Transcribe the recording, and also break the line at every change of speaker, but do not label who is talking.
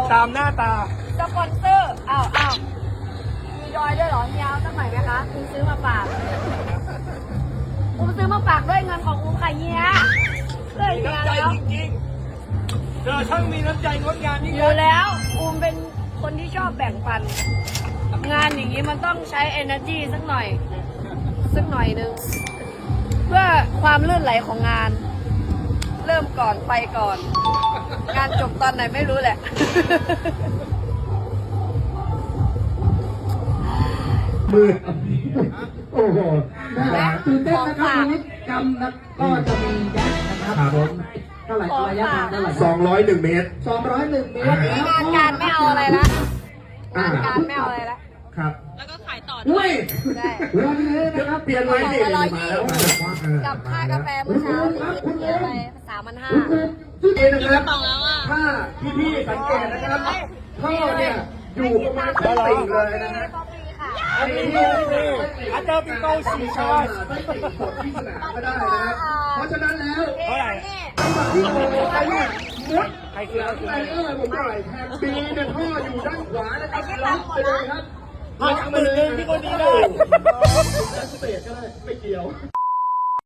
ตามหน้าตา
สปอนเซอร์อ้าวมีดอยด้วยเหรอเฮียเอาสักหน่อยไหมคะคุณซื้อมาฝากซื้อมาฝากด้วยเงินของค่ะเฮียเลยเฮีย
น้ำใจ
แล้ว
จริงๆเธอช่างมีน้ำใจงดงามยิ่ง
อยู่แล้วเป็นคนที่ชอบแบ่งปันงานอย่างนี้มันต้องใช้ energy สักหน่อยนึงเพื่อความลื่นไหลของงาน เริ่มก่อนไปก่อน งานจบตอนไหนไม่รู้แหละ
มือโอ้โหตื่นเต้นนะครับวันนี้กรรมนะก็จะมีแจ็คนะครับผมเท่าไหร่ระยะทางเท่าไหร่
201 เมตร
201 เมตร
วันนี้งานการไม่เอาอะไรละงานการไม่เอาอะไรละ
ครับ
แล้วก็ขายต่อด้
อุ้
วย
ย
ได้
วันนี้นะครับ
เปลี่ยนไว้ดิ
ของละ
มาแล้ว
120กับค่ากาแฟเมื่อเช้าที่เสียไป3,500
จุดเองนะครับ
ต่อแล้วอ่ะ
ถ้าพี่ๆสังเกตนะครับท่อเนี่ยอยู่ประมาณชั้น4เลยนะฮะ
อันนี้อาจารย์ปิโต้สีชาติ
ไม่ติดกดที่สนามก็ได้นะครับ เพราะฉะนั้นแล้ว
เท่าไหร่
จังหวะที่โอ้ไปเนี่ยมุด
ใครคือ
หลังไลเออร์ผมหน่อยแทนบีเนี่ยท่ออยู่ด้านขวานะครับล็อกไปเลยครับ
มาจากมือหนึ่งที่คนนี้ได้
สเตจก็ได้ไม่เกี่ยว